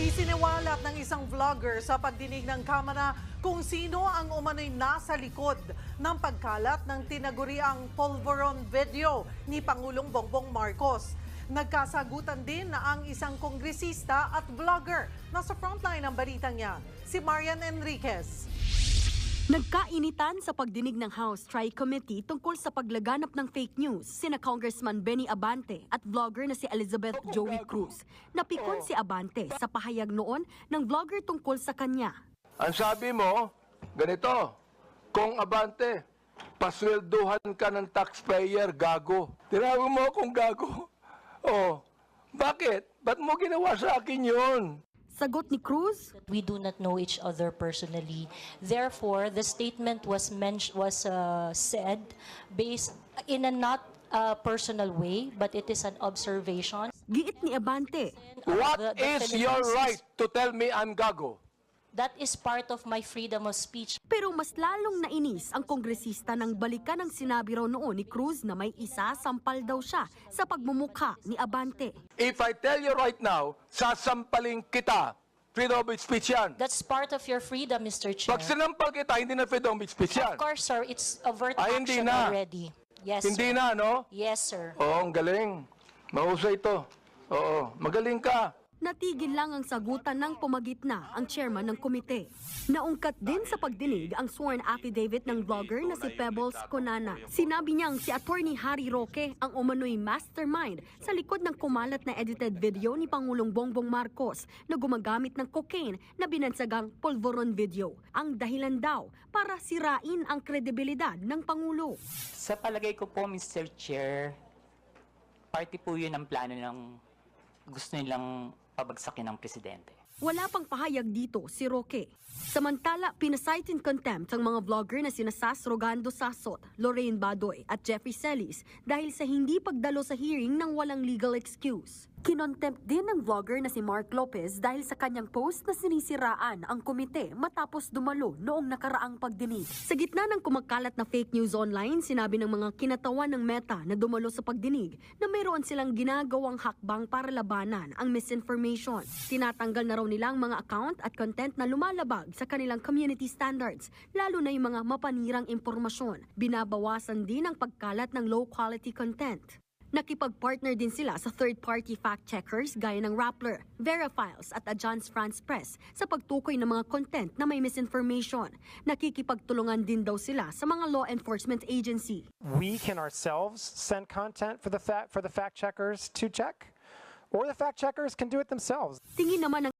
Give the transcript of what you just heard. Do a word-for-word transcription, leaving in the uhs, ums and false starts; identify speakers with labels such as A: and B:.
A: Isiniwalat ng isang vlogger sa pagdinig ng Kamara kung sino ang umano'y nasa likod ng pagkalat ng tinaguriang polvoron video ni Pangulong Bongbong Marcos. Nagkasagutan din na ang isang kongresista at vlogger. Nasa frontline ng balitang yan, si Marian Enriquez.
B: Nagkainitan sa pagdinig ng House Tri-Committee tungkol sa paglaganap ng fake news sina Congressman Benny Abante at vlogger na si Elizabeth Joey Cruz. Napikon si Abante sa pahayag noon ng vlogger tungkol sa kanya.
C: Ang sabi mo, ganito, kung Abante, paswelduhan ka ng taxpayer, gago. Tinawag mo akong gago. Oh, bakit? Ba't mo ginawa sa akin yun?
B: Sagot ni Cruz,
D: we do not know each other personally. Therefore, the statement was mentioned was uh, said based in a not uh, personal way, but it is an observation.
B: giit ni Abante.
C: What
D: The- the
C: is your
D: Philippines is-
C: right to tell me I'm gago?
D: That is part of my freedom of speech.
B: Pero mas lalong nainis ang kongresista nang balikan ang sinabi raw noon ni Cruz na may isa sampal daw siya sa pagmumukha ni Abante.
C: If I tell you right now, sasampaling kita. Freedom of speech yan.
D: That's part of your freedom, Mister Chair.
C: Pag sinampal kita, hindi na freedom of speech yan.
D: Of course, sir, it's overt
C: Ay, hindi
D: action
C: na.
D: already. Yes,
C: Hindi
D: sir.
C: na, no?
D: Yes, sir.
C: Oo, ang galing. Mahusay ito. Oo, magaling ka.
B: Natigil lang ang sagutan ng pumagitna ang chairman ng komite. Naungkat din sa pagdinig ang sworn affidavit ng vlogger na si Pebbles Conana. Sinabi niyang si Attorney Harry Roque ang umano'y mastermind sa likod ng kumalat na edited video ni Pangulong Bongbong Marcos na gumagamit ng cocaine na binansagang polvoron video. Ang dahilan daw para sirain ang kredibilidad ng Pangulo.
E: Sa palagay ko po, Mister Chair, party po yun ang plano ng gusto nilang pabagsakin ng presidente.
B: Wala pang pahayag dito si Roque. Samantala, pinasight in contempt ang mga vlogger na sina Sas Rogando Sasot, Lorraine Badoy at Jeffrey Celis dahil sa hindi pagdalo sa hearing ng walang legal excuse. Kinontempt din ng vlogger na si Mark Lopez dahil sa kanyang post na sinisiraan ang komite matapos dumalo noong nakaraang pagdinig. Sa gitna ng kumakalat na fake news online, sinabi ng mga kinatawan ng Meta na dumalo sa pagdinig na mayroon silang ginagawang hakbang para labanan ang misinformation. Tinatanggal na raw nila ang mga account at content na lumalabag sa kanilang community standards, lalo na yung mga mapanirang impormasyon. Binabawasan din ang pagkalat ng low-quality content. Nakipag-partner din sila sa third-party fact-checkers gaya ng Rappler, Verifiles at Agence France Press sa pagtukoy ng mga content na may misinformation. Nakikipagtulungan din daw sila sa mga law enforcement agency.
F: We can ourselves send content for the fact for the fact checkers to check, or the fact checkers can do it themselves.
B: Tingin naman ng